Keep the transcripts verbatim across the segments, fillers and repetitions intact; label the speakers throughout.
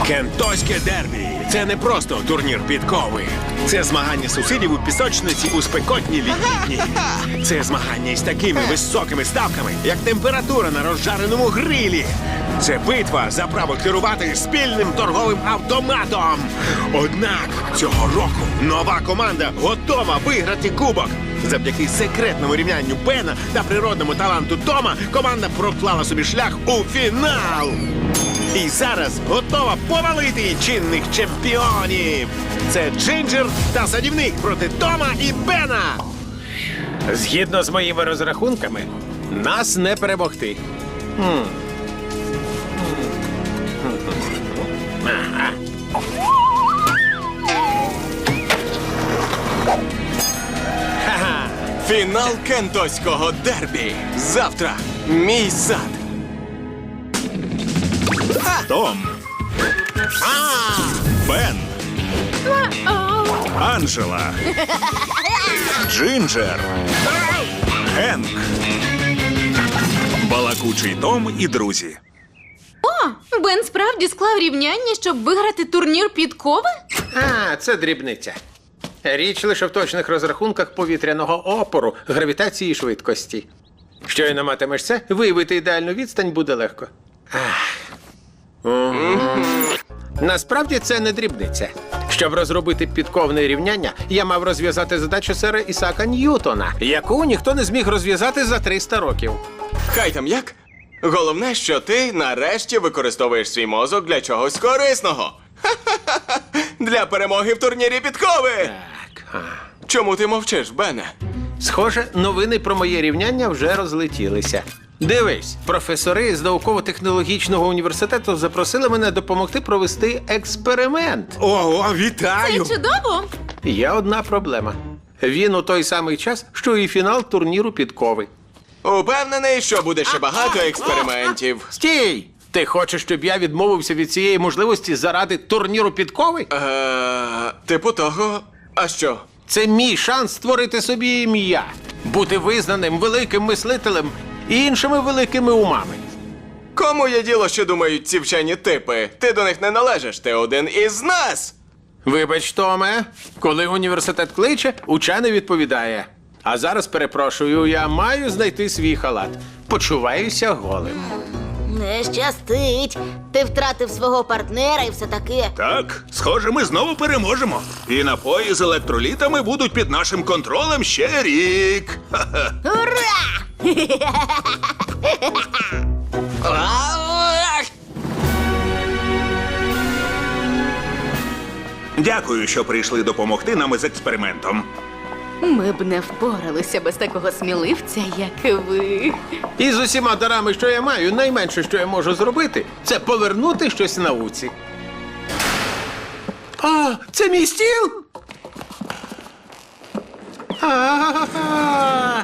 Speaker 1: Кентоське дербі – це не просто турнір підкови. Це змагання сусідів у пісочниці у спекотні літні дні. Це змагання із такими високими ставками, як температура на розжареному грилі. Це битва за право керувати спільним торговим автоматом. Однак цього року нова команда готова виграти кубок. Завдяки секретному рівнянню Бена та природному таланту Тома команда проклала собі шлях у фінал. І зараз готова повалити чинних чемпіонів. Це Джинджер та садівник проти Тома і Бена.
Speaker 2: Згідно з моїми розрахунками, нас не перемогти.
Speaker 3: Фінал кентоського дербі. Завтра мій сад.
Speaker 4: Том. Бен. Анджела. Джинджер. Генк. Балакучий Том і друзі.
Speaker 5: О, Бен справді склав рівняння, щоб виграти турнір підкови?
Speaker 2: А, це дрібниця. Річ лише в точних розрахунках повітряного опору, гравітації і швидкості. Щойно матимеш це, виявити ідеальну відстань буде легко. Ах. Насправді це не дрібниця. Щоб розробити підковне рівняння, я мав розв'язати задачу сера Ісаака Ньютона, яку ніхто не зміг розв'язати за триста років.
Speaker 3: Хай там як. Головне, що ти нарешті використовуєш свій мозок для чогось корисного. Ха-ха-ха! Для перемоги в турнірі підкови!
Speaker 2: Так. А.
Speaker 3: Чому ти мовчиш, Бене?
Speaker 2: Схоже, новини про моє рівняння вже розлетілися. Дивись, професори з науково-технологічного університету запросили мене допомогти провести експеримент.
Speaker 1: Ого,
Speaker 5: Це
Speaker 1: вітаю!
Speaker 5: чудово!
Speaker 2: Є одна проблема. Він у той самий час, що і фінал турніру підкови.
Speaker 3: Упевнений, що буде ще багато експериментів.
Speaker 2: Стій! Ти хочеш, щоб я відмовився від цієї можливості заради турніру підкови?
Speaker 3: Е, типу того, а що?
Speaker 2: Це мій шанс створити собі ім'я, бути визнаним великим мислителем і іншими великими умами.
Speaker 3: Кому є діло, що думають ці вчені типи? Ти до них не належиш, ти один із нас!
Speaker 2: Вибач, Томе, коли університет кличе, учений відповідає. А зараз, перепрошую, я маю знайти свій халат. Почуваюся голим.
Speaker 6: Не щастить. Ти втратив свого партнера і все таке.
Speaker 4: Так, схоже, ми знову переможемо. І напої з електролітами будуть під нашим контролем ще рік. Ха-ха.
Speaker 6: Ура!
Speaker 4: Дякую, що прийшли допомогти нам із експериментом.
Speaker 5: Ми б не впоралися без такого сміливця, як ви.
Speaker 2: І з усіма дарами, що я маю, найменше, що я можу зробити, це повернути щось науці. А, це мій стіл? А-а-а.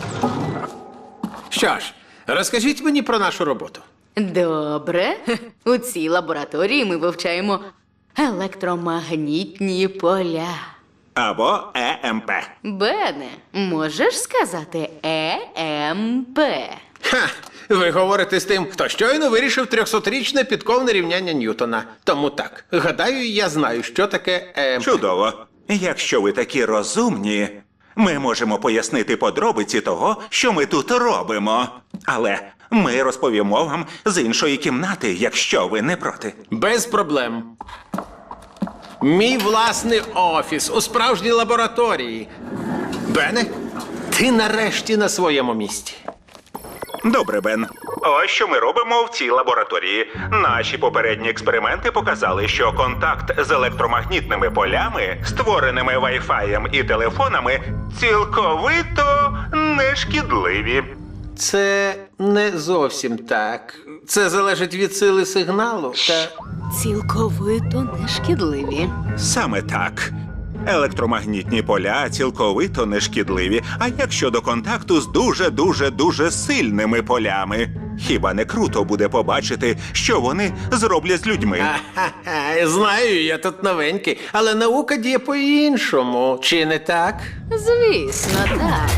Speaker 2: Що ж, розкажіть мені про нашу роботу.
Speaker 5: Добре. У цій лабораторії ми вивчаємо електромагнітні поля.
Speaker 4: Або Е Ем Пе.
Speaker 5: Бене, можеш сказати Е Ем Пе?
Speaker 2: Ха, ви говорите з тим, хто щойно вирішив трьохсотрічне підковне рівняння Ньютона. Тому так, гадаю, я знаю, що таке Е Ем Пе.
Speaker 4: Чудово. Якщо ви такі розумні, ми можемо пояснити подробиці того, що ми тут робимо. Але ми розповімо вам з іншої кімнати, якщо ви не проти.
Speaker 2: Без проблем. Мій власний офіс у справжній лабораторії. Бене, ти нарешті на своєму місці.
Speaker 4: Добре, Бен. Ось що ми робимо в цій лабораторії. Наші попередні експерименти показали, що контакт з електромагнітними полями, створеними вайфаєм і телефонами, цілковито нешкідливі.
Speaker 2: Це не зовсім так. Це залежить від сили сигналу та...
Speaker 5: Цілковито нешкідливі.
Speaker 4: Саме так. Електромагнітні поля цілковито нешкідливі. А як щодо контакту з дуже-дуже-дуже сильними полями? Хіба не круто буде побачити, що вони зроблять з людьми?
Speaker 2: Ха-ха, знаю, я тут новенький, але наука діє по-іншому. Чи не так?
Speaker 5: Звісно, так.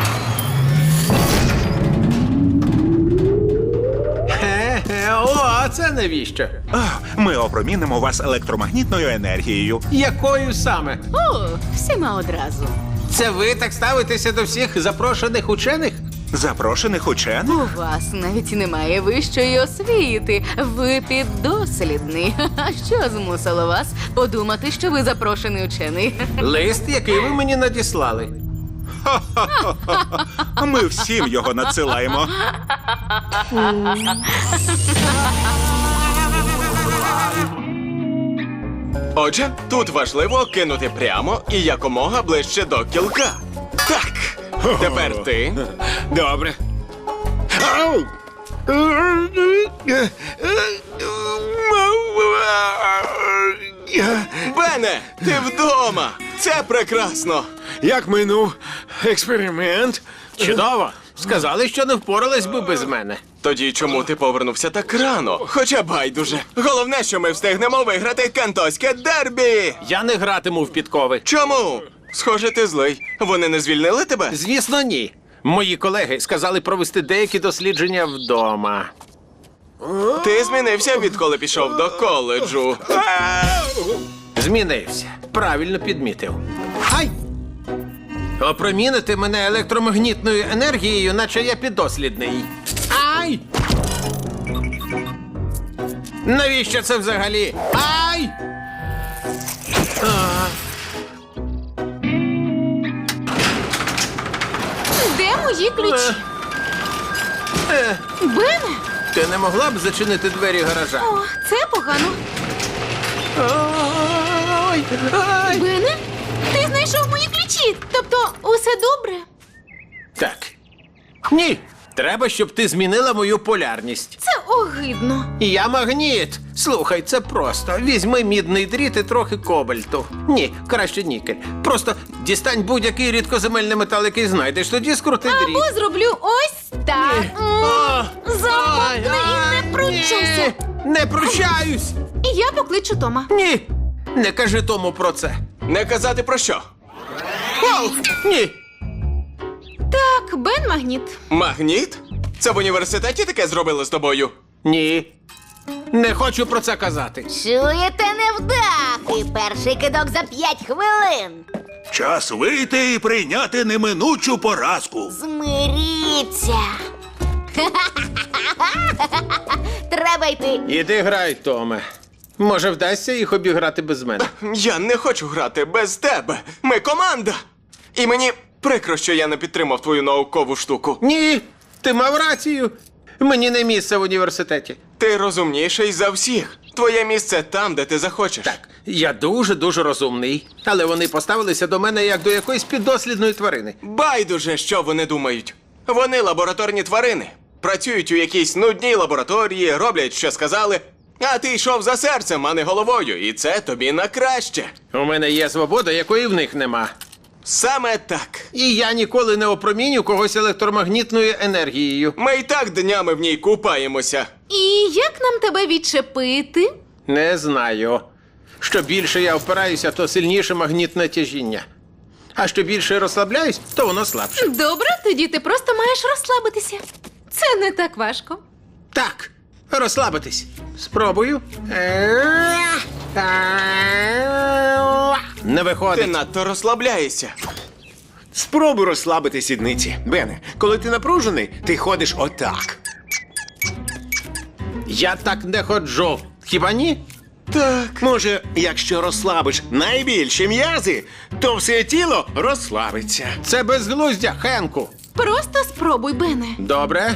Speaker 2: Хе-хе, о, це навіщо?
Speaker 4: Ах, ми опромінимо вас електромагнітною енергією.
Speaker 2: Якою саме?
Speaker 5: О, всіма одразу.
Speaker 2: Це ви так ставитеся до всіх запрошених учених?
Speaker 4: Запрошених учених?
Speaker 5: У вас навіть немає вищої освіти. Ви піддослідний. А що змусило вас подумати, що ви запрошений учений?
Speaker 2: Лист, який ви мені надіслали.
Speaker 4: Ми всім його надсилаємо.
Speaker 3: Отже, тут важливо кинути прямо і якомога ближче до кілка. Так. Тепер ти.
Speaker 1: Добре. Ау!
Speaker 3: Бене, ти вдома. Це прекрасно.
Speaker 1: Як минув експеримент?
Speaker 2: Чудово! Сказали, що не впорались би без мене.
Speaker 3: Тоді чому ти повернувся так рано? Хоча байдуже. Головне, що ми встигнемо виграти кантоське дербі.
Speaker 2: Я не гратиму в підкови.
Speaker 3: Чому? Схоже, ти злий. Вони не звільнили тебе?
Speaker 2: Звісно, ні. Мої колеги сказали провести деякі дослідження вдома.
Speaker 3: Ти змінився, відколи пішов до коледжу.
Speaker 2: Змінився. Правильно підмітив. Ай! Опромінити мене електромагнітною енергією, наче я піддослідний. Ай! Навіщо це взагалі? Ай! А,
Speaker 5: Де мої ключі?
Speaker 2: е,
Speaker 5: Бене?
Speaker 2: ти не могла б зачинити двері гаража?
Speaker 5: О, це погано.
Speaker 2: Ой, ай!
Speaker 5: Бене? Ти знайшов мої ключі. Тобто, усе добре?
Speaker 2: Так. Ні. Треба, щоб ти змінила мою полярність.
Speaker 5: Це огидно.
Speaker 2: Я магніт. Слухай, це просто. Візьми мідний дріт і трохи кобальту. Ні, краще нікель. Просто дістань будь-який рідкоземельний метал, який знайдеш, тоді скрути дріт.
Speaker 5: Або зроблю ось так.
Speaker 2: О,
Speaker 5: Замовкни
Speaker 2: ай,
Speaker 5: і не пручайся.
Speaker 2: ні, Не прощаюсь.
Speaker 5: І я покличу Тома.
Speaker 2: Ні. Не кажи тому про це.
Speaker 3: Не казати про що?
Speaker 2: Оу, ні.
Speaker 5: Так, Бен магніт.
Speaker 3: Магніт? Це в університеті таке зробили з тобою?
Speaker 2: Ні. Не хочу про це казати.
Speaker 6: Чуєте, невдахи? Перший кидок за п'ять хвилин.
Speaker 4: Час вийти і прийняти неминучу поразку.
Speaker 6: Змиріться. Треба йти.
Speaker 2: Іди грай, Томе. Може, вдасться їх обіграти без мене.
Speaker 3: Я не хочу грати без тебе. Ми команда. І мені прикро, що я не підтримав твою наукову штуку.
Speaker 2: Ні, ти мав рацію. Мені не місце в університеті.
Speaker 3: Ти розумніший за всіх. Твоє місце там, де ти захочеш.
Speaker 2: Так, я дуже-дуже розумний. Але вони поставилися до мене як до якоїсь піддослідної тварини.
Speaker 3: Байдуже, що вони думають. Вони лабораторні тварини. Працюють у якійсь нудній лабораторії, роблять, що сказали. А ти йшов за серцем, а не головою, і це тобі на краще.
Speaker 2: У мене є свобода, якої в них нема.
Speaker 3: Саме так.
Speaker 2: І я ніколи не опроміню когось електромагнітною енергією.
Speaker 3: Ми і так днями в ній купаємося.
Speaker 5: І як нам тебе відчепити?
Speaker 2: Не знаю. Що більше я впираюся, то сильніше магнітне тяжіння. А що більше розслабляюсь, то воно слабше.
Speaker 5: Добре, тоді ти просто маєш розслабитися. Це не так важко.
Speaker 2: Так, розслабитись. Спробую. Не
Speaker 3: Ти
Speaker 2: виходить.
Speaker 3: надто розслабляєшся.
Speaker 1: Спробуй розслабити сідниці. Бене, коли ти напружений, ти ходиш отак.
Speaker 2: Я так не ходжу. Хіба ні?
Speaker 1: Так. Може, якщо розслабиш найбільші м'язи, то все тіло розслабиться.
Speaker 2: Це безглуздя, Хенку.
Speaker 5: Просто спробуй, Бене.
Speaker 2: Добре.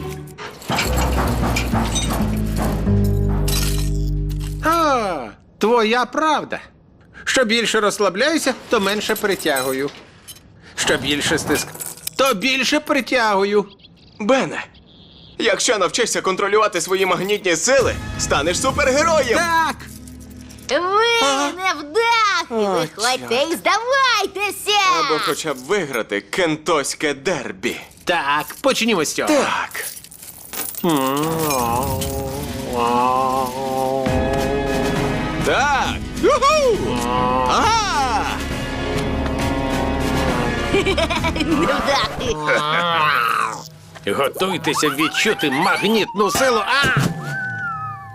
Speaker 2: А, твоя правда. Що більше розслабляюся, то менше притягую. Що більше стиск, то більше притягую.
Speaker 3: Бене, якщо навчишся контролювати свої магнітні сили, станеш супергероєм.
Speaker 2: Так!
Speaker 6: Ви невдахи. Виходьте і здавайтеся.
Speaker 3: Або хоча б виграти кентоське дербі.
Speaker 2: Так, почнімо з цього.
Speaker 3: Так. Так. Юху! Ага!
Speaker 6: Невдахи.
Speaker 2: Готуйтеся відчути магнітну силу. А!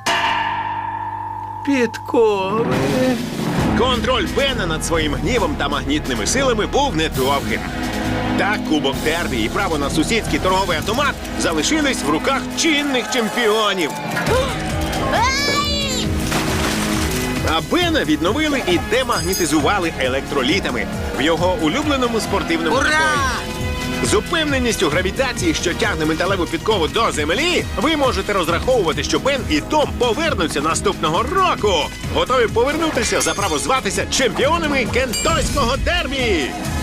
Speaker 2: підкови.
Speaker 1: Контроль Бена над своїм гнівом та магнітними силами був недовгим. Так Кубок Дербі і право на сусідський торговий автомат залишились в руках чинних чемпіонів.
Speaker 6: Ай!
Speaker 1: А Бена відновили і демагнітизували електролітами в його улюбленому спортивному
Speaker 6: Ура!
Speaker 1: напої. З упевненістю гравітації, що тягне металеву підкову до землі, ви можете розраховувати, що Бен і Том повернуться наступного року. Готові повернутися за право зватися чемпіонами кентойського дербі.